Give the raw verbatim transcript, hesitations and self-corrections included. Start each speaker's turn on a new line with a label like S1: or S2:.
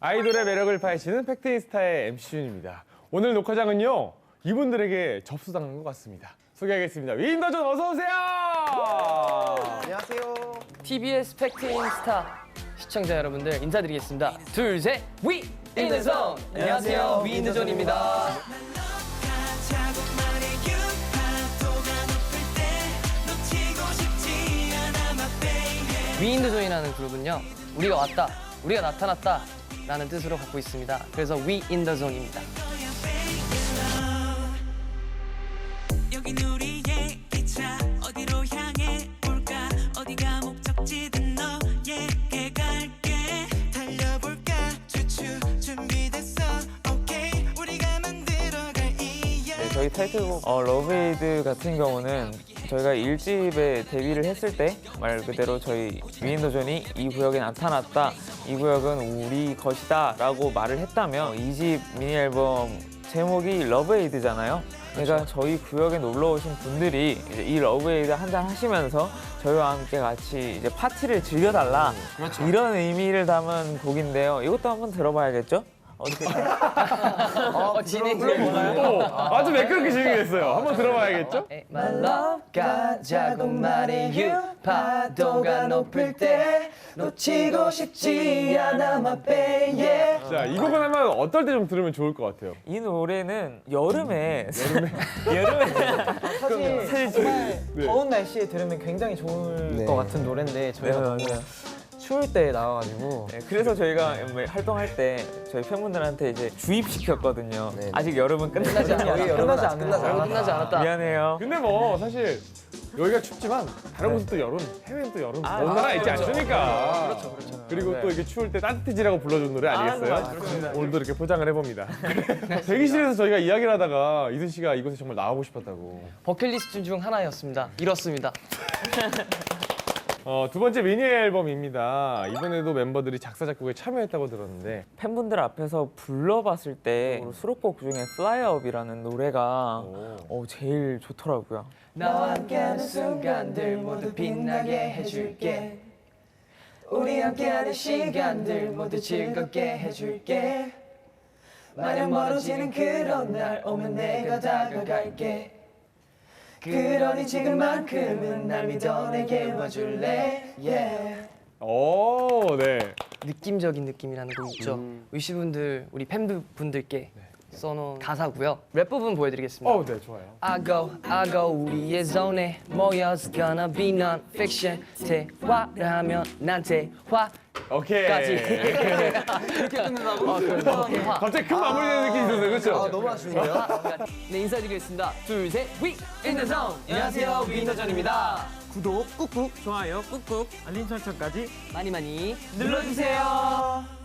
S1: 아이돌의 매력을 파헤치는 팩트인스타의 엠씨 준입니다. 오늘 녹화장은요, 이분들에게 접수당한 것 같습니다. 소개하겠습니다. 위인더존 어서 오세요.
S2: 안녕하세요.
S3: 티비에스 팩트인스타 시청자 여러분들 인사드리겠습니다. 둘, 셋, 위인더존! 안녕하세요, 위인더존입니다. 위인더존이라는 그룹은요, 우리가 왔다, 우리가 나타났다 라는 뜻으로 갖고 있습니다. 그래서 위인더존입니다. 여긴 우리의 기차 어디로 향해 볼까 어디가 목적지든 너에게 갈게 달려볼까 추추 준비됐어 오케이 우리가 만들어갈 이야기.
S4: 네, 저희 타이틀곡 어, 러브에이드 같은 경우는 저희가 일 집에 데뷔를 했을 때 말 그대로 저희 위인더존이 이 구역에 나타났다, 이 구역은 우리 것이다 라고 말을 했다면 이 집 미니 앨범 제목이 러브에이드잖아요. 그러니까 저희 구역에 놀러 오신 분들이 이제 이 러브에이드 한잔 하시면서 저희와 함께 같이 이제 파티를 즐겨달라, 그렇죠. 이런 의미를 담은 곡인데요. 이것도 한번 들어봐야겠죠? 어떻게
S3: 어, 진행
S1: 오, 아주 매끄럽게 진행했어요. 한번 들어봐야겠죠?
S3: My love 가자고 말해 you 파도가 높을 때 놓치고 싶지 않아 my baby.
S1: 자, 이 곡은 하면 어떨 때 좀 들으면 좋을 것 같아요?
S4: 이 노래는 여름에 여름에 여름에
S2: 사실,
S4: 사실
S2: 정말
S1: 네.
S2: 더운 날씨에 들으면 굉장히 좋을
S4: 네.
S2: 것 같은 노래인데 저희가
S4: 네,
S2: 너무
S4: 맞아요.
S2: 추울 때 나와가지고
S4: 네, 그래서 저희가 활동할 때 저희 팬분들한테 이제 주입시켰거든요. 아직 여름은 끝나지 않았다.
S2: 끝나지 않았다.
S3: 끝나지 않았다. 끝나지 않았다.
S4: 미안해요.
S1: 근데 뭐 사실 여기가 춥지만 다른 곳은 또 여름, 해외는 또 여름
S4: 아,
S1: 먼 나라
S4: 아,
S1: 있지
S4: 그렇죠.
S1: 않습니까?
S3: 그렇죠, 그렇죠.
S1: 그리고
S4: 네.
S1: 또 이게 추울 때 따뜻해지라고 불러준 노래 아니겠어요?
S4: 아, 그렇습니다.
S1: 오늘도 이렇게 포장을 해봅니다. 대기실에서 저희가 이야기를 하다가 이순 씨가 이곳에 정말 나오고 싶었다고.
S3: 버킷리스트 중 하나였습니다. 이렇습니다.
S1: 어, 두 번째 미니 앨범입니다. 이번에도 멤버들이 작사 작곡에 참여했다고 들었는데
S4: 팬분들 앞에서 불러봤을 때 수록곡 중에 Fly Up이라는 노래가 어, 제일 좋더라고요.
S3: 나와 함께하는 순간들 모두 빛나게 해줄게. 우리 함께하는 시간들 모두 즐겁게 해줄게. 마냥 멀어지는 그런 날 오면 내가 다가갈게. 그러니 지금만큼은 날 믿어 내게 와줄래. Yeah.
S1: 오, 네.
S3: 느낌적인 느낌이라는 곡 있죠. 위시분들 우리 팬분들께 써놓은 가사고요. 랩 부분 보여드리겠습니다.
S1: 어, 네, 좋아요.
S3: I go, I go 우리의 존에 모여서 gonna be non-fiction. 대화를 하면 난 대화까지.
S1: 오케이.
S3: 이렇게 끝낸다고? 어, 대화.
S1: 갑자기 큰 마무리되는 느낌이 있었어요, 그렇죠?
S2: 아, 너무 아쉬운데요?
S3: 네, 인사드리겠습니다. 둘, 셋, 위! 인더존! 안녕하세요, 위인더존입니다.
S4: 구독 꾹꾹, 좋아요 꾹꾹, 알림 설정까지
S3: 많이 많이
S4: 눌러주세요.